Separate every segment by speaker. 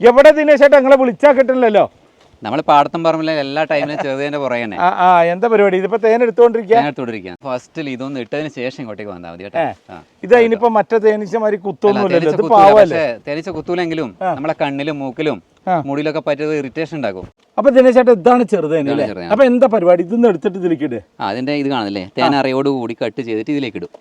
Speaker 1: എവിടെ ദിനേശേട്ടാ നിങ്ങളെ വിളിച്ചാൽ കിട്ടില്ലല്ലോ?
Speaker 2: നമ്മൾ പാടത്തും പറമ്പിലെ എല്ലാ ടൈമിലും ചെറുതേന്റെ പുറകെ തന്നെ.
Speaker 1: എന്താ പരിപാടി? ഇതിപ്പോ തേൻ എടുത്തോണ്ടിരിക്കുക.
Speaker 2: ഫസ്റ്റിൽ ഇതൊന്നും ഇട്ടതിന് ശേഷം ഇങ്ങോട്ടേക്ക് വന്നാൽ മതി കേട്ടോ.
Speaker 1: ഇത് അതിനിപ്പോ മറ്റേ തേനീച്ചമാരി കുത്തൊന്നുമില്ലല്ലോ.
Speaker 2: തേനീച്ച കുത്തൂലെങ്കിലും നമ്മളെ കണ്ണിലും മൂക്കിലും മുടിയിലൊക്കെ പറ്റിയത് ഇറിറ്റേഷൻ ഉണ്ടാക്കും.
Speaker 1: അപ്പൊ ദിനേശേട്ടാ ഇതാണ് ചെറുതേനല്ലേ? അപ്പൊ എന്താ പരിപാടി? ഇതൊന്നും എടുത്തിട്ട് ഇതിലേക്ക് ഇട്.
Speaker 2: അതിന്റെ ഇത് കാണില്ലേ, തേൻ അറയോട് കൂടി കട്ട് ചെയ്തിട്ട് ഇതിലേക്ക് ഇടും.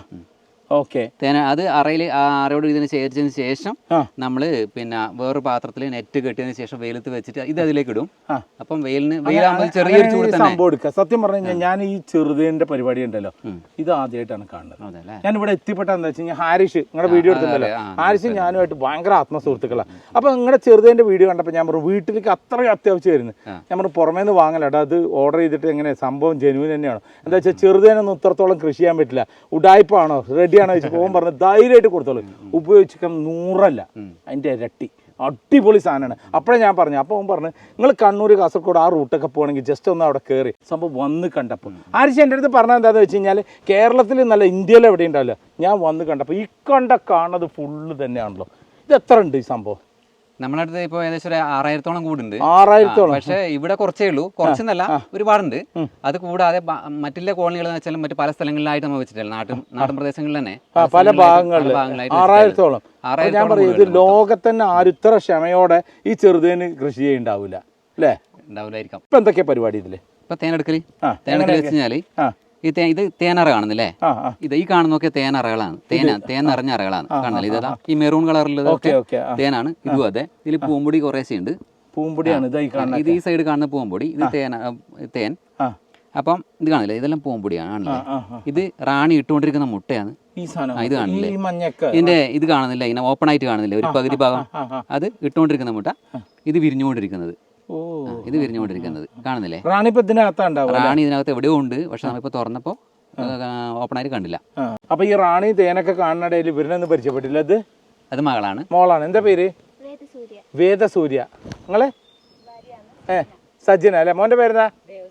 Speaker 2: തേന അത് അറയോട് ഇതിന് ശേഖരിച്ചതിന് ശേഷം നമ്മള് പിന്നെ വേറൊരു പാത്രത്തിൽ നെറ്റ് കെട്ടിയതിന് ശേഷം വെയിലത്ത് വെച്ചിട്ട് ഇത് അതിലേക്ക് ഇടും. അപ്പം വെയിലാകുമ്പോൾ ചെറിയൊരു ചൂട്
Speaker 1: സംഭവം എടുക്കുക. സത്യം പറഞ്ഞു കഴിഞ്ഞാൽ ഞാൻ ഈ ചെറുതേന്റെ പരിപാടി ഉണ്ടല്ലോ, ഇത് ആദ്യമായിട്ടാണ് കാണുന്നത്. ഞാൻ ഇവിടെ എത്തിപ്പെട്ട എന്താ വെച്ച് കഴിഞ്ഞാൽ ഹാരിഷ് നിങ്ങളുടെ വീഡിയോ എടുത്തിട്ടുണ്ടല്ലോ, ഹാരിഷ് ഞാനുമായിട്ട് ഭയങ്കര ആത്മസുഹൃത്തുക്കളാണ്. അപ്പൊ നിങ്ങളുടെ ചെറുതേന്റെ വീഡിയോ കണ്ടപ്പോൾ ഞാൻ പറഞ്ഞു വീട്ടിലേക്ക് അത്രയും അത്യാവശ്യമായിരുന്നു. ഞാൻ പറഞ്ഞു പുറമേ നിന്ന് വാങ്ങലട്ടോ, അത് ഓർഡർ ചെയ്തിട്ട് എങ്ങനെ സംഭവം ജെനുവിൻ തന്നെയാണോ? എന്താ വെച്ചാൽ ചെറുതേനൊന്നും ഇത്രത്തോളം കൃഷി ചെയ്യാൻ പറ്റില്ല, ഉടായ്പാണോ റെഡിയാണോ വെച്ച് പോകുമ്പോൾ പറഞ്ഞ് ധൈര്യമായിട്ട് കൊടുത്തോളൂ. ഉപയോഗിക്കാൻ 100 അതിന്റെ ഇരട്ടി അടിപൊളി സാധനമാണ്. അപ്പോഴേ ഞാൻ പറഞ്ഞു. അപ്പോൾ അവൻ പറഞ്ഞു നിങ്ങൾ കണ്ണൂർ കാസർഗോഡ് ആ റൂട്ടൊക്കെ പോകണമെങ്കിൽ ജസ്റ്റ് ഒന്ന് അവിടെ കയറി സംഭവം വന്ന് കണ്ടപ്പോൾ ആരിച്ച് എൻ്റെ അടുത്ത് പറഞ്ഞത് എന്താണെന്ന് വെച്ച് കഴിഞ്ഞാൽ കേരളത്തിൽ നല്ല ഇന്ത്യയിൽ എവിടെ ഉണ്ടാവില്ല. ഞാൻ വന്ന് കണ്ടപ്പോൾ ഈ കാണുന്നത് ഫുള്ള് തന്നെയാണല്ലോ. ഇത് എത്ര ഉണ്ട് ഈ സംഭവം?
Speaker 2: നമ്മുടെ അടുത്ത് ഇപ്പൊ ഏകദേശം 6000-ഓളം കൂടുണ്ട്.
Speaker 1: 6000-ഓളം.
Speaker 2: പക്ഷെ ഇവിടെ കുറച്ചേ ഉള്ളൂ, കുറച്ചെന്നല്ല ഒരുപാടുണ്ട്. അത് കൂടാതെ മറ്റുള്ള കോളനികൾ എന്ന് വെച്ചാൽ മറ്റു പല സ്ഥലങ്ങളിലായിട്ട് നമ്മൾ വെച്ചിട്ടില്ല, നാട്ടിൻ പ്രദേശങ്ങളിൽ തന്നെ
Speaker 1: പല ഭാഗങ്ങളിലായിട്ട് 6000-ഓളം. ഞാൻ പറയും ഇത് ലോകത്തന്നെ ആരും ഇത്ര ക്ഷമയോടെ ഈ ചെറുതേന് കൃഷി ചെയ്യുന്നുണ്ടാവില്ല അല്ലേ?
Speaker 2: ഉണ്ടാവില്ലായിരിക്കാം.
Speaker 1: ഇപ്പൊ എന്തൊക്കെയാ പരിപാടി ഇതില്?
Speaker 2: ഇപ്പൊ തേനെടുക്കല് വെച്ച് കഴിഞ്ഞാല് ഇത് തേനറ കാണുന്നില്ലേ? ഇത് ഈ കാണുന്നൊക്കെ തേനറകളാണ്. തേൻ നിറഞ്ഞ അറകളാണ് കാണുന്നില്ല. ഇതാ ഈ മെറൂൺ കളറിലുള്ളതൊക്കെ തേനാണ്. ഇതും അതെ. ഇതിൽ പൂമ്പൊടി കുറേശ്ശെ ഉണ്ട്.
Speaker 1: പൂമ്പൊടിയാണ്
Speaker 2: ഇത് ഈ സൈഡ് കാണുന്ന പൂമ്പൊടി, ഇത് തേൻ. അപ്പം ഇത് കാണില്ലേ, ഇതെല്ലാം പൂമ്പൊടിയാണ് കാണില്ലേ. ഇത് റാണി ഇട്ടുകൊണ്ടിരിക്കുന്ന മുട്ടയാണ്. ഇത് കാണില്ലേ, ഇതിന്റെ ഇത് കാണുന്നില്ല, ഇങ്ങനെ ഓപ്പൺ ആയിട്ട് കാണുന്നില്ല ഒരു പകുതി ഭാഗം, അത് ഇട്ടുകൊണ്ടിരിക്കുന്ന മുട്ട. ഇത് വിരിഞ്ഞുകൊണ്ടിരിക്കുന്നത്, ഇത് വിരിഞ്ഞുകൊണ്ടിരിക്കുന്നത് കാണുന്നില്ലേ. റാണി ഇതിനകത്ത് എവിടെയോ ഉണ്ട്, പക്ഷെ നമ്മളിപ്പോ തുറന്നപ്പോ ഓപ്പൺ ആയിട്ട് കണ്ടില്ല.
Speaker 1: അപ്പൊ ഈ റാണി തേനൊക്കെ കാണുന്നിടയിൽ ഇവരിനൊന്നും പരിചയപ്പെട്ടില്ല.
Speaker 2: അത് മകളാണ്.
Speaker 1: എന്താ പേര്? വേദസൂര്യ. നിങ്ങളെ സജ്ജന അല്ലെ? മോന്റെ പേരെന്താ?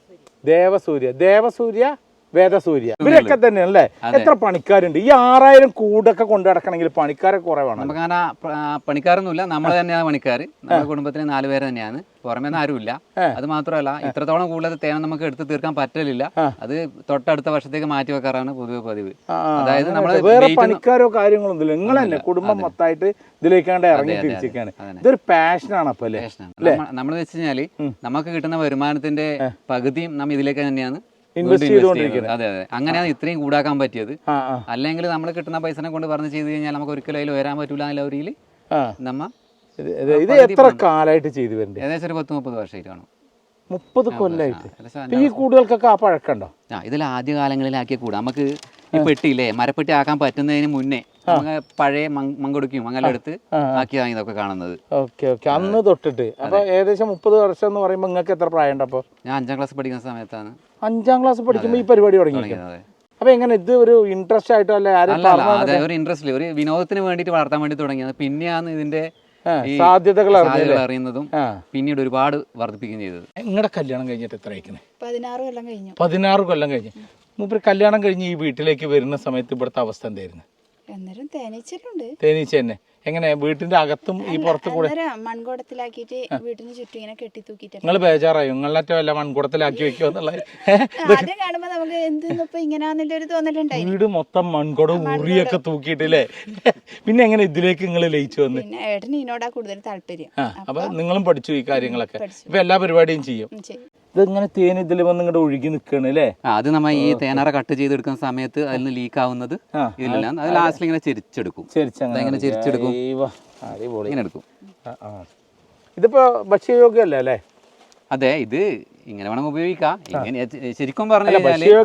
Speaker 1: ദേവസൂര്യ വേദസൂര്യ. ഇവരൊക്കെ തന്നെയല്ലേ? എത്ര പണിക്കാരുണ്ട്? ഈ 6000 കൂടൊക്കെ കൊണ്ടു നടക്കണമെങ്കിൽ പണിക്കാരെ കുറവാണ്.
Speaker 2: നമുക്കങ്ങനെ പണിക്കാരൊന്നുമില്ല, നമ്മൾ തന്നെയാണ് പണിക്കാര്. നമ്മുടെ കുടുംബത്തിന് 4 പേര് തന്നെയാണ്, പുറമേന്ന് ആരുമില്ല. അത് മാത്രമല്ല ഇത്രത്തോളം കൂടുതൽ തേന നമുക്ക് എടുത്ത് തീർക്കാൻ പറ്റില്ല. അത് തൊട്ടടുത്ത വർഷത്തേക്ക് മാറ്റി വെക്കാറാണ് പൊതുവെ പതിവ്. അതായത് നമ്മള്
Speaker 1: വേറെ പണിക്കാരോ കാര്യങ്ങളോ ഒന്നുമില്ല, നിങ്ങൾ തന്നെ കുടുംബം മൊത്തമായിട്ട് ഇതിലേക്കാണ്ട് ഇറങ്ങി തിരിച്ചിരിക്കാണ്. ഇതൊരു പാഷനാണ്. അപ്പൊ അല്ലേ
Speaker 2: നമ്മൾ വെച്ച് കഴിഞ്ഞാല് നമുക്ക് കിട്ടുന്ന വരുമാനത്തിന്റെ പകുതിയും നമ്മൾ ഇതിലേക്ക് തന്നെയാണ്
Speaker 1: ഇൻവെസ്റ്റ് ചെയ്തുകൊണ്ടിരിക്കുന്നത്.
Speaker 2: അതെ അതെ, അങ്ങനെയാണ് ഇത്രയും കൂടാക്കാൻ പറ്റിയത്. അല്ലെങ്കിൽ നമ്മൾ കിട്ടുന്ന പൈസനെ കൊണ്ട് പറഞ്ഞ് ചെയ്ത് കഴിഞ്ഞാൽ നമുക്ക് ഒരിക്കലും അതിൽ വരാൻ പറ്റൂല എന്നുള്ള ഒരു നമ്മ.
Speaker 1: ഇത് എത്ര കാലമായിട്ട് ചെയ്തു വരുന്നത്?
Speaker 2: ഏകദേശം ഒരു 10-30 വർഷമായിട്ട് കാണും.
Speaker 1: 30 കൊല്ലമായിട്ട്. ഈ കൂടുകൾക്കൊക്കെ ആ പഴക്കമുണ്ടോ?
Speaker 2: ഇതിൽ ആദ്യ കാലങ്ങളിലാക്കിയ കൂടാ നമുക്ക് ഈ പെട്ടിയില്ലേ, മരപ്പെട്ടി ആക്കാൻ പറ്റുന്നതിന് മുന്നേ നമുക്ക് പഴയ മങ്കൊടുക്കും അങ്ങനെ എടുത്ത് ആക്കിയതാണ് ഇതൊക്കെ കാണുന്നത്.
Speaker 1: അന്ന് തൊട്ടിട്ട്. അപ്പൊ ഏകദേശം 30 വർഷം എന്ന് പറയുമ്പോൾ നിങ്ങൾക്ക് എത്ര പ്രായം ഉണ്ട്? അപ്പൊ
Speaker 2: ഞാൻ 5ാം ക്ലാസ് പഠിക്കുന്ന സമയത്താണ്.
Speaker 1: 5ാം ക്ലാസ് പഠിക്കുമ്പോൾ ഈ പരിപാടി തുടങ്ങിയത്. അപ്പൊ എങ്ങനെ ഇത് ഒരു ഇൻട്രസ്റ്റ് ആയിട്ടോ അല്ലെ?
Speaker 2: അതെ, ഒരു ഇൻട്രസ്റ്റ്, ഒരു വിനോദത്തിന് വേണ്ടിയിട്ട് വളർത്താൻ വേണ്ടി തുടങ്ങിയത്. പിന്നെയാണ് ഇതിന്റെ
Speaker 1: സാധ്യതകൾ
Speaker 2: അറിയുന്നതും പിന്നീട് ഒരുപാട് വർദ്ധിപ്പിക്കുകയും ചെയ്തത്.
Speaker 1: നിങ്ങളുടെ കല്യാണം കഴിഞ്ഞിട്ട് എത്ര ആയിക്കണേ?
Speaker 3: 16
Speaker 1: കൊല്ലം കഴിഞ്ഞു. മൂപ്പര് കല്യാണം കഴിഞ്ഞ് ഈ വീട്ടിലേക്ക് വരുന്ന സമയത്ത് ഇവിടുത്തെ അവസ്ഥ എന്തായിരുന്നു? തേനീച്ച തന്നെ. എങ്ങനെ വീട്ടിന്റെ അകത്തും ഈ പുറത്ത് കൂടെ
Speaker 3: മൺകുടത്തിലാക്കിയിട്ട് വീട്ടിന് ചുറ്റും ഇങ്ങനെ കെട്ടി തൂക്കിട്ട്
Speaker 1: നിങ്ങൾ ബേജാറായോ? നിങ്ങളറ്റ വല്ല മൺകുടത്തിലാക്കി വെക്കോ എന്നുള്ളത്?
Speaker 3: കാണുമ്പോ നമുക്ക് എന്തിപ്പോ ഇങ്ങനെയാന്നുള്ളൊരു തോന്നലുണ്ടായി.
Speaker 1: വീട് മൊത്തം മൺകുടം ഉറിയൊക്കെ തൂക്കിയിട്ടില്ലേ? പിന്നെ എങ്ങനെ ഇതിലേക്ക് നിങ്ങൾ ലയിച്ചു വന്ന്?
Speaker 3: പിന്നെ ഏട്ടന് ഇതിനോടാ കൂടുതൽ താല്പര്യം.
Speaker 1: അപ്പൊ നിങ്ങളും പഠിച്ചു ഈ കാര്യങ്ങളൊക്കെ. ഇപ്പൊ എല്ലാ പരിപാടിയും ചെയ്യും. ഇതിങ്ങനെ തേൻ ഇതിൽ വന്ന് ഇങ്ങോട്ട് ഒഴുകി നിൽക്കണ് അല്ലേ?
Speaker 2: അത് നമ്മ ഈ തേനറ കട്ട് ചെയ്തെടുക്കുന്ന സമയത്ത് അതിൽ നിന്ന് ലീക്ക് ആവുന്നത് ഇതിലല്ല. അത് ലാസ്റ്റിൽ ഇങ്ങനെ ചെരിച്ചെടുക്കും. ഇങ്ങനെ ചെരിച്ചെടുക്കും, ഇങ്ങനെ എടുക്കും.
Speaker 1: ഇതിപ്പോ ഭക്ഷ്യയോഗ്യമല്ലേ അല്ലേ?
Speaker 2: അതെ, ഇത് ഇങ്ങനെ വേണം ഉപയോഗിക്കാം. ഇങ്ങനെ ശരിക്കും പറഞ്ഞാൽ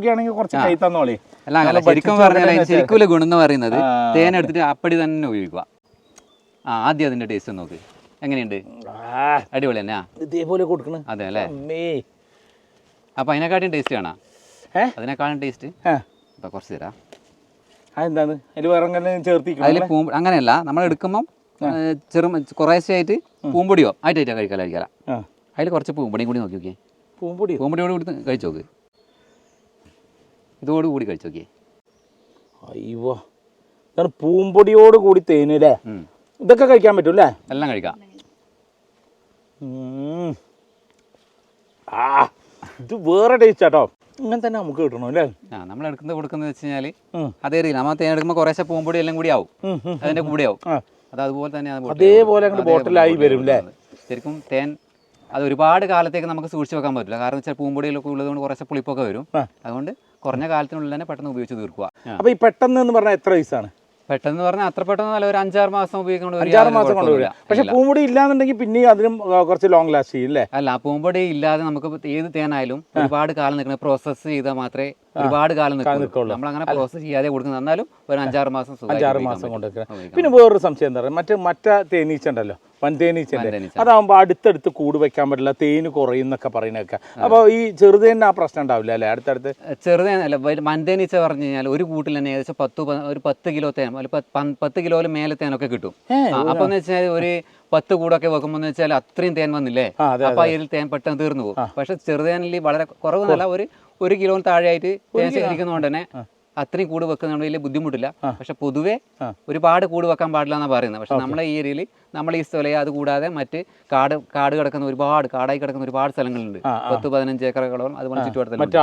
Speaker 2: അല്ല, ശരിക്കും പറഞ്ഞാൽ ശരിക്കും ഗുണം എന്ന് പറയുന്നത് തേൻ എടുത്തിട്ട് അപ്പടി തന്നെ ഉപയോഗിക്കുക. ആദ്യം അതിന്റെ ടേസ്റ്റ് നോക്ക്, എങ്ങനെയുണ്ട്? അടിപൊളി തന്നെയാ.
Speaker 1: ഇതേപോലെ കൊടുക്കണം.
Speaker 2: അതെ അല്ലേ? അപ്പൊ അതിനെക്കാട്ടും ടേസ്റ്റ് കാണാം. അതിനെക്കാളും ടേസ്റ്റ് ഇപ്പൊ കുറച്ച് തരാം. അതിൽ അങ്ങനെയല്ല, നമ്മൾ എടുക്കുമ്പം കുറേശ്ശെ ആയിട്ട് പൂമ്പൊടിയോ ആയിട്ടാ കഴിക്കാല. അതിൽ കുറച്ച് പൂമ്പൊടിയും കൂടി നോക്കി നോക്കിയേ. പൂമ്പൊടിയോട് കൂടി കഴിച്ചു നോക്ക്. ഇതോടുകൂടി കഴിച്ചു നോക്കിയേ.
Speaker 1: അയ്യോ, പൂമ്പൊടിയോട് കൂടി തേനല്ലേ? ഇതൊക്കെ കഴിക്കാൻ പറ്റൂല്ലേ?
Speaker 2: എല്ലാം കഴിക്കാം.
Speaker 1: ഇത് വേറെ ടേസ്റ്റ് ആട്ടോ. ഇങ്ങനെ തന്നെ നമുക്ക് കിട്ടണം അല്ലേ?
Speaker 2: നമ്മൾ എടുക്കുന്നത് കൊടുക്കുന്നത് വെച്ച് കഴിഞ്ഞാൽ അതേ രീതിയിൽ നമ്മൾ തേൻ എടുക്കുമ്പോൾ കുറേശ്ശെ പൂമ്പൊടി എല്ലാം കൂടി ആവും, അതിന്റെ കൂടെ ആവും. അത് അതുപോലെ തന്നെ
Speaker 1: അതേപോലെ ബോട്ടിലായി വരും അല്ലേ?
Speaker 2: ശരിക്കും തേൻ അത് ഒരുപാട് കാലത്തേക്ക് നമുക്ക് സൂക്ഷിച്ച് വെക്കാൻ പറ്റില്ല. കാരണം വെച്ചാൽ പൂമ്പൊടിയിലൊക്കെ ഉള്ളതുകൊണ്ട് കുറച്ച് പുളിപ്പൊക്കെ വരും. അതുകൊണ്ട് കുറഞ്ഞ കാലത്തിനുള്ളിൽ തന്നെ പെട്ടെന്ന് ഉപയോഗിച്ച് തീർക്കുക.
Speaker 1: അപ്പൊ ഈ പെട്ടെന്ന് എന്ന് പറഞ്ഞാൽ എത്ര വയസ്സാണ്?
Speaker 2: പെട്ടെന്ന് പറഞ്ഞാൽ അത്ര പെട്ടെന്ന് നല്ല ഒരു 5-6 മാസം ഉപയോഗിക്കുന്നത്.
Speaker 1: 5-6 മാസം കൊണ്ടുവരിക. പക്ഷെ പൂമ്പൊടി ഇല്ലാന്നുണ്ടെങ്കിൽ പിന്നെ അതിനും കുറച്ച് ലോങ് ലാസ്റ്റ് ചെയ്യും അല്ലേ?
Speaker 2: അല്ല, പൂമ്പൊടി ഇല്ലാതെ നമുക്ക് ഏത് തേനായാലും ഒരുപാട് കാലം നിൽക്കണം. പ്രോസസ്സ് ചെയ്താൽ മാത്രമേ ഒരുപാട് കാലം നിൽക്കുള്ളൂ. നമ്മൾ അങ്ങനെ പ്രോസസ്സ് ചെയ്യാതെ കൊടുക്കുന്നത്. എന്നാലും ഒരു 5-6 മാസം
Speaker 1: 5-6 മാസം കൊണ്ട്. പിന്നെ വേറൊരു സംശയം എന്താ പറയുക, മറ്റേ തേനീച്ച ഉണ്ടല്ലോ, വൻതേനീച്ചന്റെ, അതാവുമ്പോ അടുത്തടുത്ത് കൂട് വെക്കാൻ പറ്റില്ല, തേന് കുറയുന്നൊക്കെ പറയുന്നൊക്കെ. അപ്പൊ ഈ ചെറുതേന് ആ പ്രശ്നം ഉണ്ടാവില്ല അല്ലെ? അടുത്തടുത്ത്
Speaker 2: ചെറുതേനല്ല, വൻതേനീച്ച പറഞ്ഞു കഴിഞ്ഞാൽ ഒരു കൂട്ടിൽ തന്നെ ഏകദേശം 10 കിലോ തേൻ, 10 കിലോയിലും മേലെ തേനൊക്കെ കിട്ടും. അപ്പൊ എന്ന് വെച്ചാൽ ഒരു 10 കൂടൊക്കെ വെക്കുമ്പോൾ വെച്ചാൽ അത്രയും തേൻ വന്നില്ലേ, അപ്പൊ അതിൽ തേൻ പെട്ടെന്ന് തീർന്നു പോകും. പക്ഷെ ചെറുതേനിൽ വളരെ കുറവെന്നല്ല, ഒരു കിലോന് താഴെയായിട്ട് തേൻ ശേഖരിക്കുന്നതുകൊണ്ട് തന്നെ അത്രയും കൂട് വെക്കുന്നതുകൊണ്ട് വലിയ ബുദ്ധിമുട്ടില്ല. പക്ഷെ പൊതുവെ ഒരുപാട് കൂട് വെക്കാൻ പാടില്ല എന്നാണ് പറയുന്നത്. പക്ഷെ നമ്മളെ ഈ ഏരിയയിൽ നമ്മൾ ഈ സ്ഥലം അത് കൂടാതെ മറ്റ് കാട് കിടക്കുന്ന കാടായി കിടക്കുന്ന ഒരുപാട് സ്ഥലങ്ങളുണ്ട്. 10-15 ഏക്കറുകളോളം അതുപോലെ ചുറ്റുവട്ടത്തിൽ ഉണ്ട്.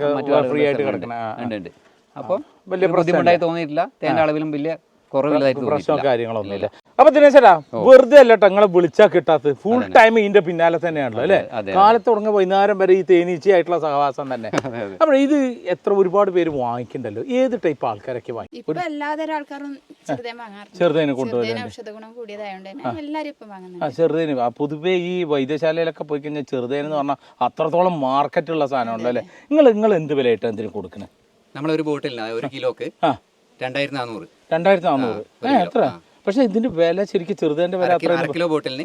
Speaker 2: അപ്പോൾ വലിയ ബുദ്ധിമുട്ടായി തോന്നിയിട്ടില്ല. തേന്റെ അളവിലും വലിയ
Speaker 1: പ്രശ്നമോ കാര്യങ്ങളൊന്നുമില്ല. അപ്പൊ ദിനേശേട്ടാ, വെറുതെ അല്ല നിങ്ങളെ വിളിച്ചാൽ കിട്ടാത്തത്, ഫുൾ ടൈം ഇതിന്റെ പിന്നാലെ തന്നെയാണല്ലോ അല്ലെ? കാലത്ത് തുടങ്ങി വൈകുന്നേരം വരെ ഈ തേനീച്ചയായിട്ടുള്ള സഹവാസം തന്നെ. അപ്പൊ ഇത് ഒരുപാട് പേര് വാങ്ങിക്കണ്ടല്ലോ, ഏത് ടൈപ്പ് ആൾക്കാരൊക്കെ വാങ്ങി? ചെറുതേനെ കൊണ്ടുപോകും. ചെറുതേന് പൊതുവേ ഈ വൈദ്യശാലയിലൊക്കെ പോയി കഴിഞ്ഞാൽ ചെറുതേനെന്ന് പറഞ്ഞാൽ അത്രത്തോളം മാർക്കറ്റുള്ള സാധനമുണ്ടല്ലോ അല്ലെ? നിങ്ങൾ എന്ത് വിലയായിട്ട് എന്തിനു കൊടുക്കുന്നത്?
Speaker 2: നമ്മളൊരു ബോട്ടിലിന് 1 കിലോക്ക് 2400.
Speaker 1: 2400 എത്ര? പക്ഷെ ഇതിന്റെ വില ശരിക്കും ചെറുതേന്റെ വില അത്ര
Speaker 2: കിലോ ബോട്ടിലിന്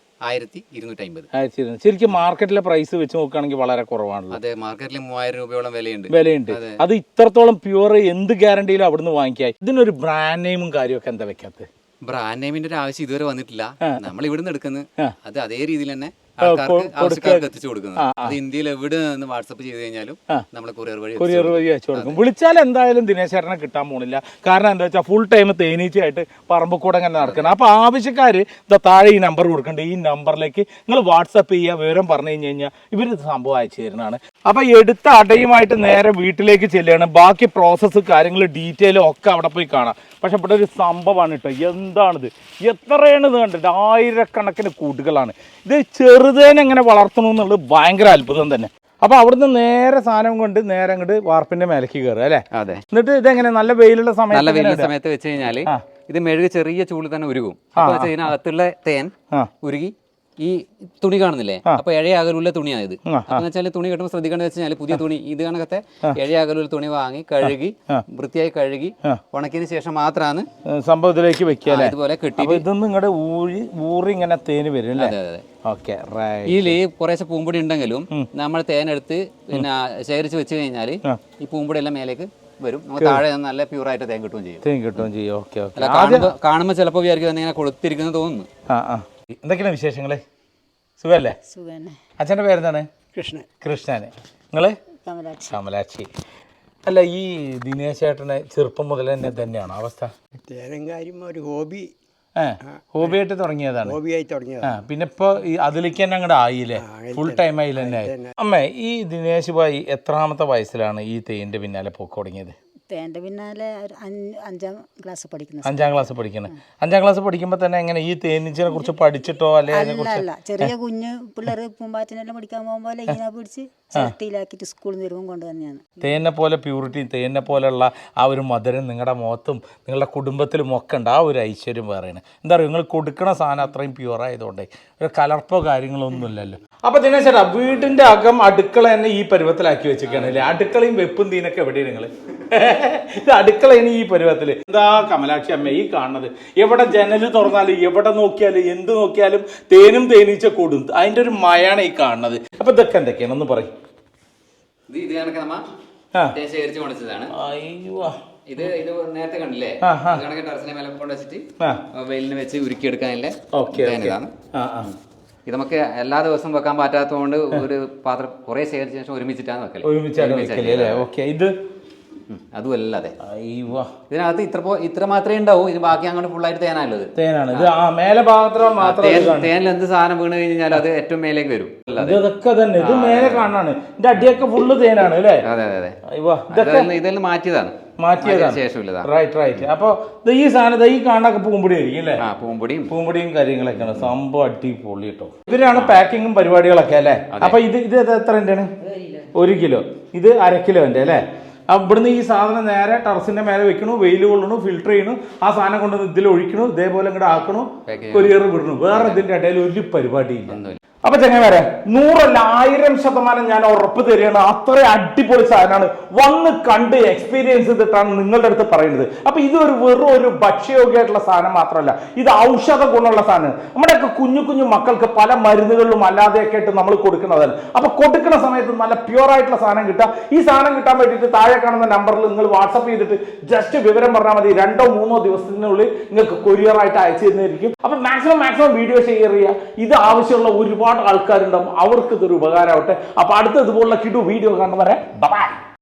Speaker 2: 1250.
Speaker 1: ശരിക്കും മാർക്കറ്റിലെ പ്രൈസ് വെച്ച് നോക്കുകയാണെങ്കിൽ വളരെ കുറവാണല്ലോ.
Speaker 2: അതെ, മാർക്കറ്റിൽ 3000 രൂപയോളം
Speaker 1: വിലയുണ്ട്. അത് ഇത്രത്തോളം പ്യൂർ എന്ത് ഗ്യാരണ്ടിയിലും അവിടുന്ന് വാങ്ങിക്കായി. ഇതിനൊരു ബ്രാൻഡ് നെയിമും കാര്യമൊക്കെ എന്താ വെക്കാത്തത്?
Speaker 2: ബ്രാൻഡ് നെയിമിന്റെ ഒരു ആവശ്യം ഇതുവരെ വന്നിട്ടില്ല. നമ്മൾ ഇവിടുന്ന് എടുക്കുന്നത് അത് അതേ രീതിയിൽ തന്നെ ആൾക്കാർക്ക് എത്തിച്ചു കൊടുക്കുന്നത്. അത് ഇന്ത്യയിൽ എവിടെ നിന്ന് വാട്സപ്പ് ചെയ്ത് കഴിഞ്ഞാലും നമ്മൾ കൊറിയർ വഴി
Speaker 1: അയച്ചു കൊടുക്കും. വിളിച്ചാൽ എന്തായാലും ദിനേശേട്ടനെ കിട്ടാൻ പോണില്ല. കാരണം എന്താ വെച്ചാൽ ഫുൾ ടൈം തേനീച്ചയായിട്ട് പറമ്പ് കൂടെ അങ്ങനെ നടക്കണം. അപ്പൊ ആവശ്യക്കാര് താഴെ ഈ നമ്പർ കൊടുക്കണ്ട, ഈ നമ്പറിലേക്ക് നിങ്ങൾ വാട്സപ്പ് ചെയ്യുക, വിവരം പറഞ്ഞു കഴിഞ്ഞാൽ ഇവര് സംഭവം അയച്ചു തരുന്നതാണ്. അപ്പൊ എടുത്ത അടയുമായിട്ട് നേരെ വീട്ടിലേക്ക് ചെല്ലുകയാണ്. ബാക്കി പ്രോസസ്സ് കാര്യങ്ങൾ ഡീറ്റെയിലും ഒക്കെ അവിടെ പോയി കാണാം. പക്ഷെ ഇവിടെ ഒരു സംഭവമാണ് കേട്ടോ. എന്താണിത്? എത്രയാണ് ഇത് കണ്ടിട്ട്? 1000കണക്കിന് കൂട്ടുകളാണ്. ഇത് ചെറുതേനെങ്ങനെ വളർത്തണമെന്നുള്ളത് ഭയങ്കര അത്ഭുതം തന്നെ. അപ്പൊ അവിടുന്ന് നേരെ സാധനം കൊണ്ട് നേരെ അങ്ങോട്ട് വാർപ്പിന്റെ മേലേക്ക് കയറുക അല്ലേ?
Speaker 2: അതെ.
Speaker 1: എന്നിട്ട് ഇതെങ്ങനെ നല്ല വെയിലുള്ള
Speaker 2: സമയത്ത് വെച്ച് കഴിഞ്ഞാല് ഇത് മെഴുക് ചെറിയ ചൂടിൽ തന്നെ ഉരുകും. അപ്പൊ ഇതിനകത്തുള്ള തേൻ ഉരുകി ഈ തുണി കാണുന്നില്ലേ, അപ്പൊ ഇഴയകലുള്ള തുണിയാണ് ഇത്. അപ്പൊ വെച്ചാൽ തുണി കെട്ടുമ്പോൾ ശ്രദ്ധിക്കേണ്ടത് വെച്ചാൽ പുതിയ തുണി ഇത് കണക്കത്തെ ഇഴയകലുള്ള തുണി വാങ്ങി കഴുകി വൃത്തിയായി കഴുകി ഉണക്കിയതിന് ശേഷം മാത്രമാണ്
Speaker 1: സംഭവത്തിലേക്ക് വെക്കുക.
Speaker 2: ഇതുപോലെ കെട്ടി
Speaker 1: ഇതൊന്നും ഇങ്ങോട്ട് ഊറി ഇങ്ങനെ തേന് വരും.
Speaker 2: ഇതില് കുറേശ്ശെ പൂമ്പൊടി ഉണ്ടെങ്കിലും നമ്മൾ തേനെടുത്ത് പിന്നെ ശേഖരിച്ച് വെച്ച് കഴിഞ്ഞാൽ ഈ പൂമ്പൊടി എല്ലാം മേലേക്ക് വരും. നമുക്ക് താഴെ നല്ല പ്യൂറായിട്ട് തേൻ കിട്ടുകയും ചെയ്യും. കാണുമ്പോൾ ചിലപ്പോൾ വിചാരിക്കും ഇങ്ങനെ കൊളുത്തിരിക്കുന്നത് തോന്നുന്നു.
Speaker 1: എന്തൊക്കെയാണ് വിശേഷങ്ങള്? സുഖല്ലേ? അച്ഛൻ്റെ പേരെന്താണ്? കൃഷ്ണന്. നിങ്ങള്? കമലാക്ഷി. അല്ല, ഈ ദിനേശേട്ടനെ ചെറുപ്പം മുതൽ തന്നെ തന്നെയാണോ അവസ്ഥ?
Speaker 4: ഒരു ഹോബി
Speaker 1: ഹോബിയായിട്ട് തുടങ്ങിയതാണ്. പിന്നെ ഇപ്പൊ അതിലേക്ക് തന്നെ അങ്ങോട്ട് ആയില്ലേ? ഫുൾ ടൈം ആയി തന്നെ. അമ്മേ, ഈ ദിനേശ് ഭായി എത്രാമത്തെ വയസ്സിലാണ് ഈ തേന്റെ പിന്നാലെ പോക്ക് തുടങ്ങിയത്?
Speaker 5: തേൻ്റെ പിന്നാലെ 5ാം ക്ലാസ് പഠിക്കുന്നത്.
Speaker 1: 5ാം ക്ലാസ് പഠിക്കുന്നത്. 5ാം ക്ലാസ് പഠിക്കുമ്പോൾ തന്നെ എങ്ങനെ ഈ തേനീച്ചനെ കുറിച്ച് പഠിച്ചിട്ടോ
Speaker 5: അല്ല, ചെറിയ കുഞ്ഞ് പിള്ളേർ പൂമ്പാറ്റിനെല്ലാം പഠിക്കാൻ പോകുമ്പോൾ ഇങ്ങനെ പിടിച്ച് ചിരട്ടിയിലാക്കിയിട്ട് സ്കൂളിൽ നിന്ന് വരുമ്പോൾ കൊണ്ടുതന്നെയാണ്.
Speaker 1: തേനെ പോലെ പ്യൂരിറ്റി, തേനെ പോലെയുള്ള ആ ഒരു മധുരം നിങ്ങളുടെ മുഖത്തും നിങ്ങളുടെ കുടുംബത്തിലും ഒക്കെ ഉണ്ട്. ആ ഒരു ഐശ്വര്യം വേറെയാണ്. എന്താ പറയുക, നിങ്ങൾ കൊടുക്കണ സാധനം അത്രയും പ്യൂർ ആയതുകൊണ്ട് ഒരു കലർപ്പോ കാര്യങ്ങളോ ഒന്നും ഇല്ലല്ലോ. അപ്പൊ ദിനേശേട്ടാ, വീടിന്റെ അകം അടുക്കള തന്നെ ഈ പരുവത്തിലാക്കി വെച്ചിരിക്കുകയാണ് അല്ലേ? അടുക്കളയും വെപ്പും തീനൊക്കെ എവിടെയാണ് നിങ്ങൾ? ഇത് അടുക്കളയാണ് ഈ പരുവത്തില്. എന്താ കമലാക്ഷി അമ്മ ഈ കാണുന്നത്? എവിടെ ജനല് തുറന്നാലും എവിടെ നോക്കിയാലും എന്ത് നോക്കിയാലും തേനും തേനീച്ച കൂടും. അതിന്റെ ഒരു മയാണ് ഈ കാണുന്നത്. അപ്പൊ ഇതൊക്കെ എന്തൊക്കെയാണ് ഒന്ന് പറയും?
Speaker 2: ഇത് നേരത്തെ കണ്ടില്ലേ, ടെറസിനെ മേലെ കൊണ്ടുവച്ചിട്ട് വെയിലിന് വെച്ച് ഉരുക്കിയെടുക്കാനല്ലേ. ഇത് നമുക്ക് എല്ലാ ദിവസവും വെക്കാൻ പറ്റാത്തതുകൊണ്ട് ഒരു പാത്രം കുറെ ശേഖരിച്ച ശേഷം ഒരുമിച്ചിട്ടാണ് വെക്കല്. അതും അല്ലാതെ
Speaker 1: അയ്യോ
Speaker 2: ഇതിനകത്ത് ഇത്ര മാത്രമേ ഉണ്ടാവൂ. ഇത് ബാക്കി അങ്ങോട്ട് ഫുള്ളായിട്ട് തേനാനുള്ളത്.
Speaker 1: തേനാണ് ഇത്. ആ മേലെ ഭാഗത്ത് മാത്രം
Speaker 2: തേനിൽ എന്ത് സാധനം വീണ് കഴിഞ്ഞാൽ അത് ഏറ്റവും മേലേക്ക് വരും.
Speaker 1: ഇതൊക്കെ തന്നെ ഇത് മേലെ കാണാണ്. ഇതിന്റെ അടിയൊക്കെ ഫുള്ള് തേനാണ് അല്ലേ?
Speaker 2: അതെ അതെ അതെ.
Speaker 1: ഇതൊക്കെ
Speaker 2: ഇതെല്ലാം മാറ്റിയതാണ്.
Speaker 1: ശേഷമില്ല. റൈറ്റ്. അപ്പൊ ഈ സാധനം ഈ കാണാനൊക്കെ പൂമ്പൊടി ആയിരിക്കും അല്ലേ? പൂമ്പൊടിയും കാര്യങ്ങളൊക്കെയാണ്. സംഭവം അടിപൊളി കേട്ടോ. ഇതിനാണ് പാക്കിങ്ങും പരിപാടികളൊക്കെ അല്ലേ? അപ്പൊ ഇത് എത്രയാണ്? 1 കിലോ. ഇത് 1/2 കിലോന്റെ അല്ലേ? ഇവിടുന്ന് ഈ സാധനം നേരെ ടെറസിന്റെ മേലെ വെക്കണു, വെയിൽ കൊള്ളണു, ഫിൽട്ടർ ചെയ്യണു, ആ സാധനം കൊണ്ടുവന്ന് ഇതിൽ ഒഴിക്കണു, ഇതേപോലെ ഇങ്ങോട്ട് ആക്കണു, കൊറിയർ വിടണു. വേറെ ഇതിന്റെ ഇടയിൽ ഒരു പരിപാടിയില്ല. അപ്പൊ ചെങ്ങന്മാരെ 100 അല്ല 1000% ഞാൻ ഉറപ്പ് തരികയാണ്. അത്ര അടിപൊളി സാധനമാണ്. വന്ന് കണ്ട് എക്സ്പീരിയൻസ് ചെയ്തിട്ടാണ് നിങ്ങളുടെ അടുത്ത് പറയുന്നത്. അപ്പൊ ഇത് വെറും ഒരു ഭക്ഷ്യയോഗ്യമായിട്ടുള്ള സാധനം മാത്രമല്ല, ഇത് ഔഷധ ഗുണമുള്ള സാധനം. നമ്മുടെയൊക്കെ കുഞ്ഞു മക്കൾക്ക് പല മരുന്നുകളിലും അല്ലാതെയൊക്കെ ആയിട്ട് നമ്മൾ കൊടുക്കുന്നതാണ്. അപ്പൊ കൊടുക്കുന്ന സമയത്ത് നല്ല പ്യൂർ ആയിട്ടുള്ള സാധനം കിട്ടുക. ഈ സാധനം കിട്ടാൻ വേണ്ടിയിട്ട് താഴെ കാണുന്ന നമ്പറിൽ നിങ്ങൾ വാട്സപ്പ് ചെയ്തിട്ട് ജസ്റ്റ് വിവരം പറഞ്ഞാൽ മതി. 2-3 ദിവസത്തിനുള്ളിൽ നിങ്ങൾക്ക് കൊറിയർ ആയിട്ട് അയച്ചു തരുന്നതായിരിക്കും. അപ്പൊ മാക്സിമം വീഡിയോ ഷെയർ ചെയ്യുക. ഇത് ആവശ്യമുള്ള ഒരുപാട് ആൾക്കാരുണ്ടാവും, അവർക്ക് ഇതൊരു ഉപകാരമാവട്ടെ. അപ്പൊ അടുത്ത ഇതുപോലുള്ള കിടു വീഡിയോ കാണുന്നവരെ ബൈ.